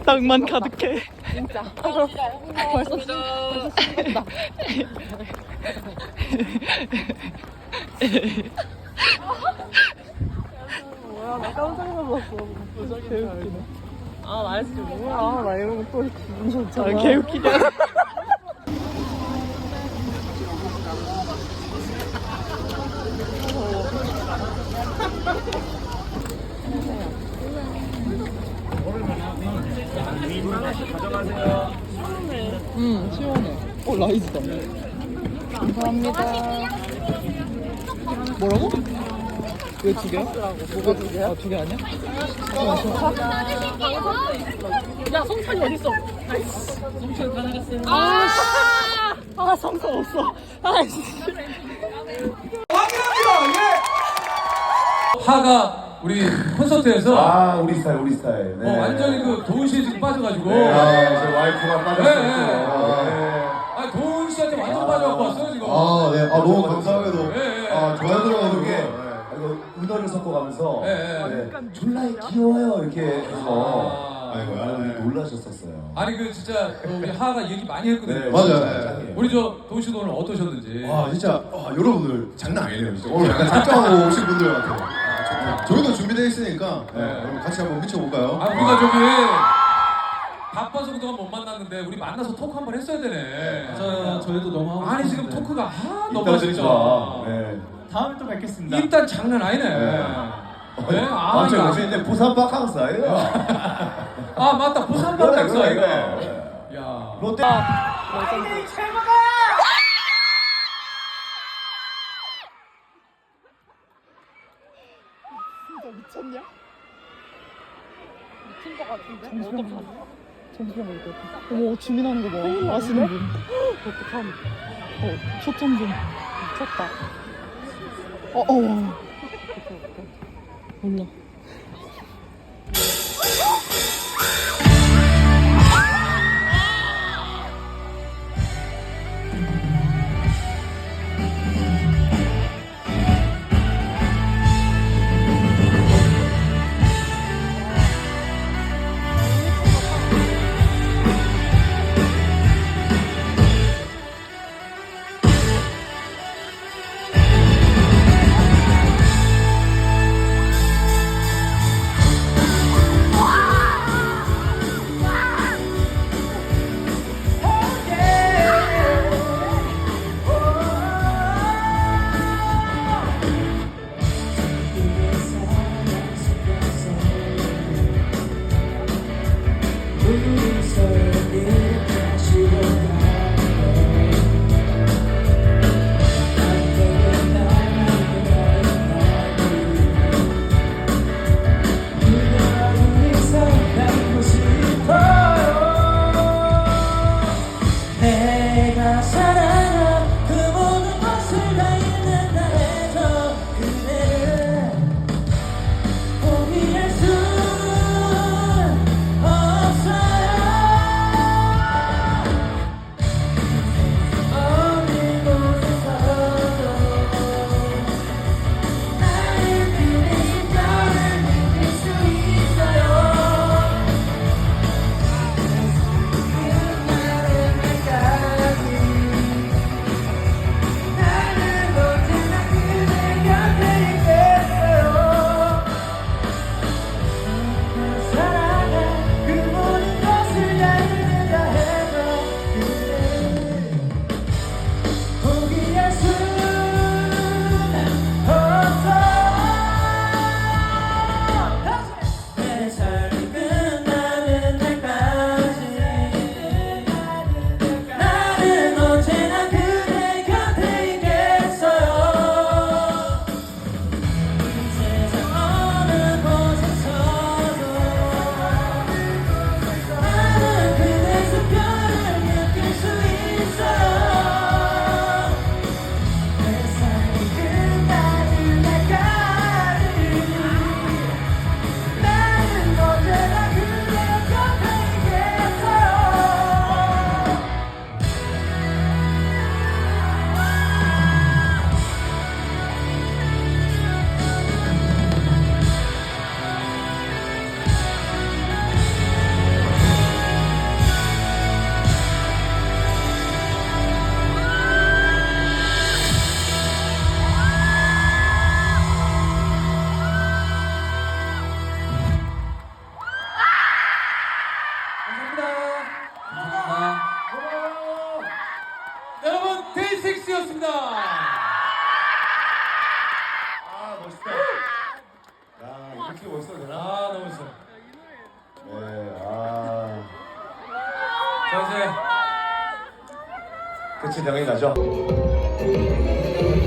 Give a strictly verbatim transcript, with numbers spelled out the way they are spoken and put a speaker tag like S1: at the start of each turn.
S1: 낭만 가득해.
S2: 진짜. 벌써 벌써 신났다. 뭐야, 나 깜짝 놀랐어. 개웃기네. 아, 날씨 뭐야. 아, 나 이런 거또 기분 좋잖아.
S1: 아, 개웃기냐. 음, 시원해. 어, 라이즈다. 감사합니다. 뭐라고? 왜 두 개야? 뭐가 두 개야? 아, 두 개 아니야?
S2: 야, 성찬이 어딨어?
S1: 성천 다 나갔어요. 아, 씨. 아, 성천 없어. 아이씨.
S3: 하가 우리 콘서트에서
S4: 아 우리 스타일 우리 스타일 네.
S3: 어, 완전히 그 도훈 씨에 지금 빠져가지고
S4: 네, 아, 제 와이프가 빠졌어요.
S3: 네, 네.
S4: 아,
S3: 아 도훈 씨한테 완전 빠져갖고 왔어요 지금.
S4: 아, 네. 아, 너무 감사하게도.
S3: 네, 네.
S4: 아, 좋아요 들어가지고. 아, 이거 은어를 섞어가면서.
S3: 네, 네.
S4: 네. 졸라 귀여워요. 이렇게 해서.
S3: 아.
S4: 아이고, 여러분들 놀라셨었어요.
S3: 아니 그 진짜 우리 하가 얘기 많이 했거든요.
S4: 네,
S5: 맞아요.
S4: 진짜 짱이에요.
S3: 우리 저 도훈 씨도 오늘 어떠셨는지.
S5: 와 진짜 와, 여러분들 장난 아니네요 진짜 오늘 약간 작정하고 오신 분들 같아요. 아, 저희도 준비되어 있으니까 네, 여러분 같이 한번 미쳐볼까요?
S3: 아 우리가 저기 바빠서 그동안 못 만났는데 우리 만나서 토크 한번 했어야 되네.
S6: 맞아요. 저희도 너무 하고
S3: 아니 지금
S6: 싶은데.
S3: 토크가 아 너무
S4: 이따
S3: 진짜.
S4: 좋아. 네.
S6: 다음에 또 뵙겠습니다.
S3: 일단 장난 아니네.
S4: 네.
S3: 네? 아,
S4: 맞죠?
S3: 이거
S4: 요새 이제 부산 바캉스 아이가.
S3: 아 맞다 부산
S4: 그래,
S3: 바캉스
S4: 그래,
S3: 이거.
S4: 그래.
S3: 야.
S4: 롯데.
S1: 미쳤냐?
S2: 미친 거 같은데?
S1: 정신병 정신병 걸릴 것 같아. 어머, 주민하는 거 봐. 아시는 분.
S2: 어떡함.
S1: 어, 초점 좀.
S2: 미쳤다.
S1: 어, 어. 몰라.
S4: 이렇게 멋있어도 되나?
S3: 아 너무 좋아.
S4: 네, 아.
S3: 자 이제
S4: 끝이 명이 나죠?